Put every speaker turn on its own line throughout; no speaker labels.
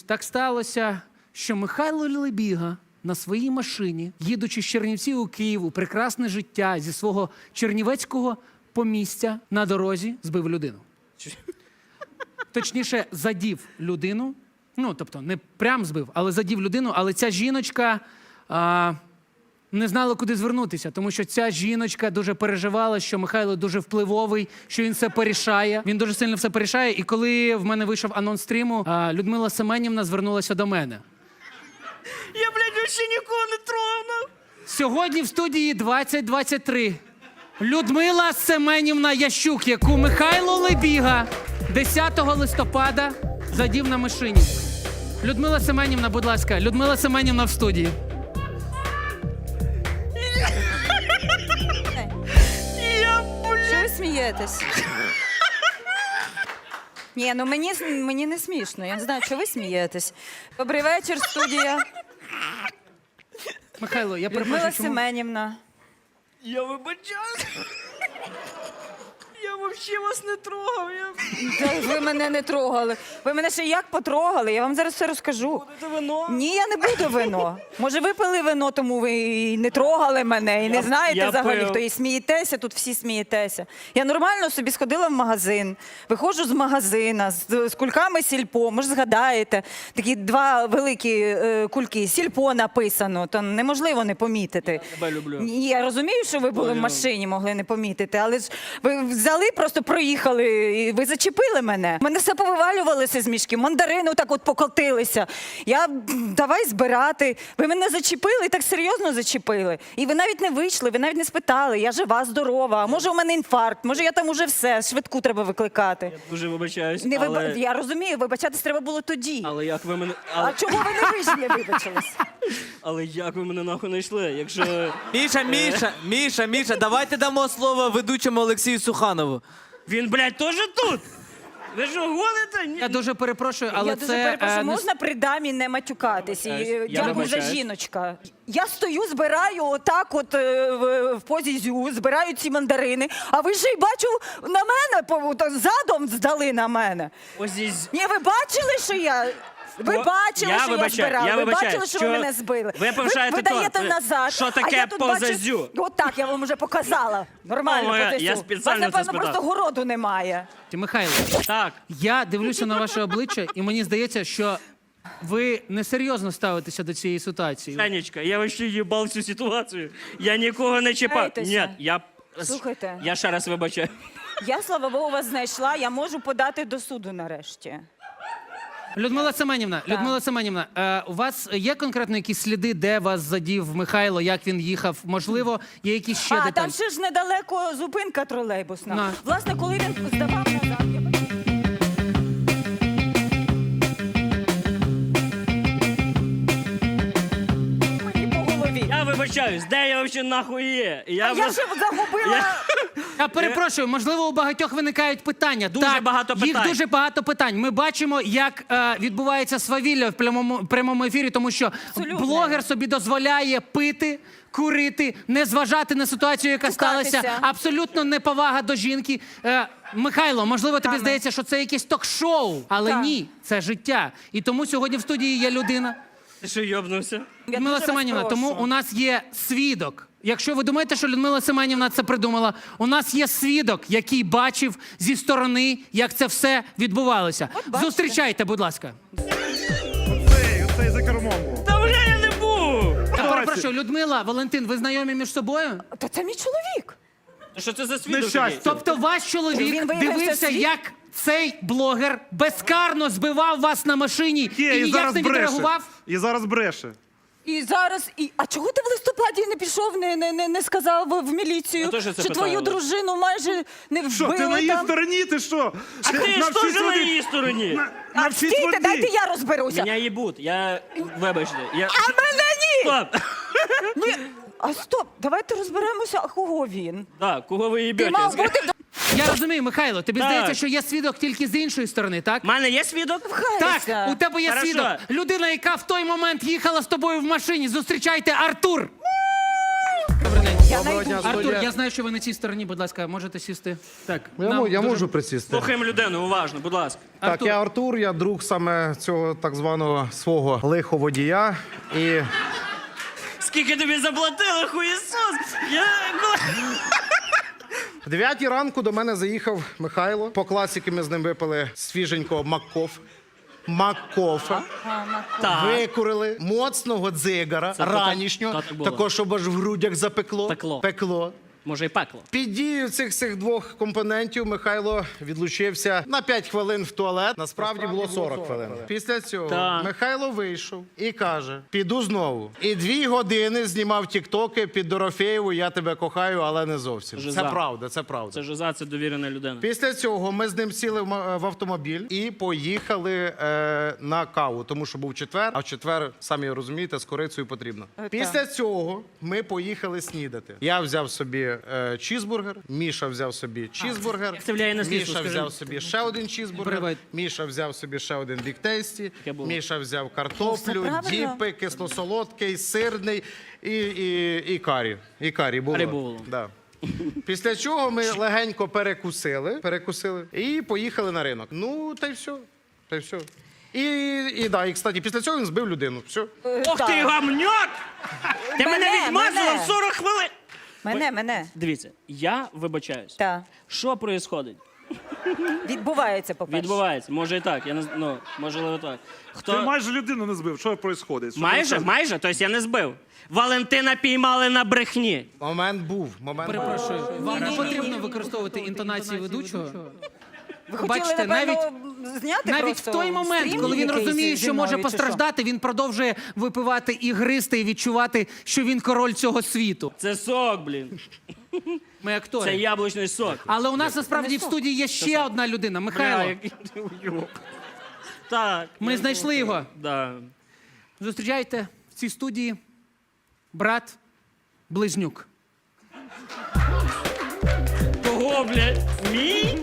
Так сталося, що Михайло Лебіга на своїй машині, їдучи з Чернівців у Київ у прекрасне життя зі свого чернівецького помістя на дорозі, збив людину. Точніше, задів людину. Ну, тобто, не прям збив, але задів людину. Але ця жіночка не знала, куди звернутися, тому що ця жіночка дуже переживала, що Михайло дуже впливовий, що він все порішає. Він дуже сильно все порішає. І коли в мене вийшов анонс стріму, Людмила Семенівна звернулася до мене.
Я, блядь, ще нікого не трогав.
Сьогодні в студії 2023 Людмила Семенівна Ящук, яку Михайло Лебіга 10 листопада задів на машині. Людмила Семенівна, будь ласка. Людмила Семенівна в студії.
Що ви смієтесь? Ні, ну мені не смішно. Я не знаю, що ви смієтесь. Добрий вечір, студія.
Михайло, я
Людмила
перепрошую, чому...
Семенівна.
Я вибачаюсь. Я взагалі вас не трогав.
Та ви мене не трогали. Ви мене ще як потрогали? Я вам зараз все розкажу.
Будете вино?
Ні, я не буду вино. Може, ви пили вино, тому ви і не трогали мене, і не знаєте
я
взагалі,
пив.
хто і смієтеся, тут всі смієтеся. Я нормально собі сходила в магазин, виходжу з магазина з кульками сільпо, може згадаєте, такі два великі кульки, сільпо написано, то неможливо не помітити.
Тебе люблю.
Ні, я розумію, що ви були в машині, могли не помітити, але ж ви взяли, просто проїхали, і ви зачепили мене. Мене все повивалювалося з мішки, мандарини так от покотилися. Я давай збирати. Ви мене зачепили, так серйозно зачепили. І ви навіть не вийшли, ви навіть не спитали, я жива, здорова, а може у мене інфаркт, може я там уже все, швидку треба викликати.
Дуже вибачаюсь,
Не
але...
Я розумію, вибачатись треба було тоді.
Але як ви мене...
А чого ви не вийшли, вибачились?
Але як ви мене нахуй не йшли, якщо...
Міша, давайте дамо слово ведучому Олексію Суханову.
Він, блядь, теж тут? Ви що, гоните? Ні.
Я дуже перепрошую, але
Я
це...
дуже перепрошую,
не
можна при дамі не матюкатись?
Я
Дякую за
вибачаюсь.
жіночка. Я стою, збираю отак от в позі зю, збираю ці мандарини, а ви ще й бачу на мене, задом здали на мене.
Ось із...
Ні, ви бачили, що я... Ви бачили, що я збирала, ви бачили, що ви мене збили.
Ви повишаєте
ви даєте
тон.
назад,
Що
а
таке
я тут
позазю?
бачу... Отак, я вам вже показала. Нормально,
О, я
позазю.
спеціально
Вас, напевно,
це спитав.
просто городу немає.
Михайло,
Так.
я дивлюся на ваше обличчя, і мені здається, що ви несерйозно ставитеся до цієї ситуації.
Танечка, я вообще їбав цю ситуацію. Я нікого не чіпав.
Кайтеся.
Ні, я...
Слухайте.
Я ще раз вибачаю.
Я, слава Богу, вас знайшла, я можу подати до суду нарешті.
Людмила Семенівна, у вас є конкретно якісь сліди, де вас задів Михайло, як він їхав? Можливо, є якісь ще деталі?
Там ще ж недалеко зупинка тролейбусна.
На.
Власне, коли він здавав назад, я... Мені по голові.
Я вибачаюсь, де я взагалі нахуй є?
Я ще загубила...
Я перепрошую, можливо, у багатьох виникають питання.
Дуже
Так,
багато
їх
питань.
дуже багато питань. Ми бачимо, як відбувається свавілля в прямому ефірі, тому що
Абсолютно.
блогер собі дозволяє пити, курити, не зважати на ситуацію, яка
Цукатися.
сталася. Абсолютно неповага до жінки. Михайло, можливо, тобі здається, що це якесь ток-шоу, але
Так.
ні, це життя. І тому сьогодні в студії є людина.
Ти що, йобнувся?
Я
Людмила
дуже вас
Семенівна,
прошу.
тому у нас є свідок. Якщо ви думаєте, що Людмила Семенівна це придумала, у нас є свідок, який бачив зі сторони, як це все відбувалося.
бачите.
Зустрічайте, будь ласка.
Оцей за кермом був.
Та вже я не був!
Я перепрошую, Людмила, Валентин, ви знайомі між собою?
Та це мій чоловік.
Що це за свідок
Нещастя.
такий?
Тобто ваш чоловік
Він виявився
дивився,
свій?
як цей блогер безкарно збивав вас на машині і
Є, і
ніяк
зараз
не
бреше.
відреагував?
І зараз бреше.
І зараз... А чого ти в листопаді не пішов, не сказав в міліцію,
Я теж це
що
питаю.
твою дружину майже не вбили
Що, ти на її
там?
стороні, ти що?
А ти ж теж на її стороні.
А стійте, дайте я розберуся.
Мене їбуть, я... Вибачте. Я...
А мене ні!
Стоп!
Ні. А стоп, давайте розберемося, а кого він?
Так, кого ви
Ти
їбете?
мав бути...
Я розумію, Михайло, тобі
Так.
здається, що є свідок тільки з іншої сторони, так?
У мене є свідок?
Так, у тебе є
Хорошо.
свідок. Людина, яка в той момент їхала з тобою в машині. Зустрічайте, Артур! Добрий день.
Я
Доброго
найду.
дня,
Артур,
студія.
я знаю, що ви на цій стороні, будь ласка, можете сісти. Так,
Я можу присісти.
Слухаємо людину, уважно, будь ласка.
Так,
Артур.
я Артур, я друг саме цього так званого свого лиховодія. І
Скільки тобі заплатили, хуєсос?
в 9 ранку до мене заїхав Михайло. По класіки ми з ним випили свіженького Маккофа.
Так.
Викурили моцного дзигара,
Це то
ранішнього,
так було.
такого, щоб аж в грудях запекло.
Пекло. Може і пекло.
Під дією цих двох компонентів Михайло відлучився на 5 хвилин в туалет. Насправді було 40 хвилин. Після цього
Так.
Михайло вийшов і каже: піду знову. І 2 години знімав тіктоки під Дорофєєву «Я тебе кохаю, але не зовсім».
Жиза.
Це правда, це правда.
Це жиза, це довірена людина.
Після цього ми з ним сіли в автомобіль і поїхали на каву, тому що був четвер, а в четвер, самі розумієте, з корицею потрібно. Після цього ми поїхали снідати. Я взяв собі чізбургер, Міша взяв собі чізбургер,
Як це впливає на слідство,
Міша
скажи?
взяв собі ще один чізбургер,
Привет.
Міша взяв собі ще один біктейсті,
Таке було.
Міша взяв
Все
картоплю,
правильно.
діпи, кисло-солодкий, сирний і карі. І карі було.
Карі було.
Да. Після чого ми легенько перекусили і поїхали на ринок. Ну, та й все. Та й все. І кстати, після цього він збив людину. Все.
Ох ти, гамньок! Ти мене відмазала
мене.
40 хвилин!
Мене.
Дивіться, я вибачаюсь.
Так.
Що відбувається?
Відбувається, по-перше.
Відбувається. Може і так. Я не ну, можливо так.
Ти майже людину не збив. Що відбувається?
Майже? Тобто я не збив. Валентина піймали на брехні.
Момент був.
Перепрошую, вам не потрібно використовувати інтонації ведучого.
Ви хотіли,
Бачите,
напевно, зняти
Навіть
просто
в той момент,
стрім
коли він
якийсь
розуміє,
зі
що
мною,
може
чи
постраждати, він продовжує випивати і гристи, і відчувати, що він король цього світу.
Це сок, блін.
Ми актори.
Це яблучний сок.
Але у нас насправді в студії є ще одна людина, Михайло.
який ти уйоб. Так.
Ми знайшли його.
Да.
Зустрічайте в цій студії брат Близнюк.
Кого, блядь? Мій?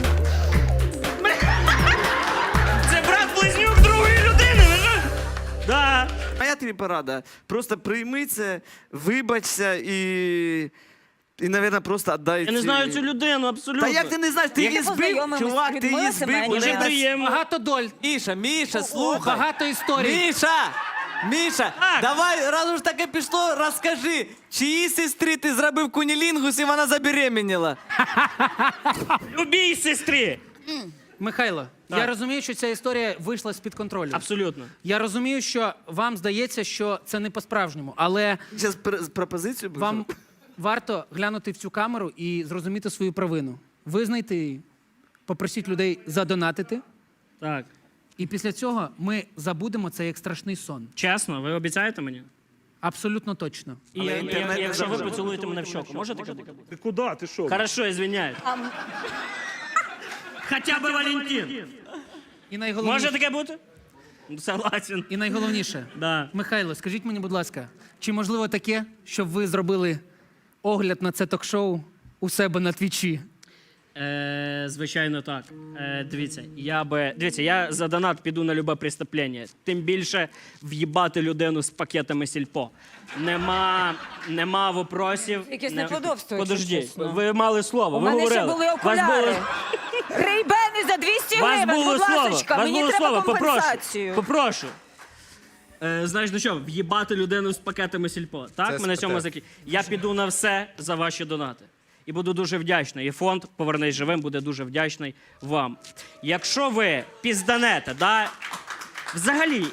Це брат-близнюк другої людини, ви що? Да.
Моя тобі порада. Просто прийми це, вибачся і, навірно, просто віддай.
Я не знаю цю людину, абсолютно.
Та як ти не знаєш? Ти
Як
її
ти
збив,
познайомилась
чувак,
з
ти її
Людмилою
збив.
Семенівною?
Дуже приємно.
Багато доль,
Міша, слухай.
багато історій.
Міша,
Так.
давай, раз уж таке пішло, розкажи, чиїй сестрі ти зробив кунілінгус і вона забеременіла?
Любій сестрі.
Михайло,
Так.
я розумію, що ця історія вийшла з-під контролю.
Абсолютно.
Я розумію, що вам здається, що це не по-справжньому, але
Зараз пропозицію буду.
вам варто глянути в цю камеру і зрозуміти свою провину. Визнайте її, попросіть людей задонатити,
Так.
і після цього ми забудемо це як страшний сон.
Чесно, ви обіцяєте мені?
Абсолютно точно.
І якщо ви поцілуєте мене в щоку, можете таке?
Ти куди? Ти що?
Хорошо, извиняюсь. Хоча б Валентин.
І найголовніше,
Може таке бути? Согласен.
і найголовніше,
Да.
Михайло, скажіть мені, будь ласка, чи можливо таке, щоб ви зробили огляд на це ток-шоу у себе на твічі?
Звичайно, так. Дивіться, я за донат піду на любе преступлення. Тим більше в'їбати людину з пакетами сільпо. Нема вопросів.
Якесь неподобство,
Подожди,
якщо чесно.
ви мали слово,
У
ви
мене
говорили.
ще були
Вас
окуляри.
було-
Рейбени за 200
Вас
гривень,
було
будь
слово,
ласочка,
вас
мені
було
треба
слово,
компенсацію.
попрошу. Знаєш, ну що, в'їбати людину з пакетами сільпо. Так,
Це
ми на цьому
спитаю.
Я піду на все за ваші донати. І буду дуже вдячний. І фонд «Повернись живим» буде дуже вдячний вам. Якщо ви пізданете, да, взагалі,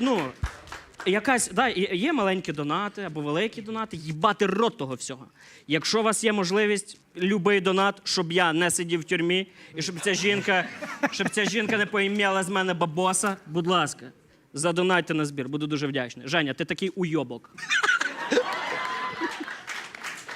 є маленькі донати або великі донати, їбати рот того всього. Якщо у вас є можливість, любий донат, щоб я не сидів в тюрмі, і щоб ця жінка не поім'яла з мене бабоса, будь ласка, задонайте на збір, буду дуже вдячний. Женя, ти такий уйобок.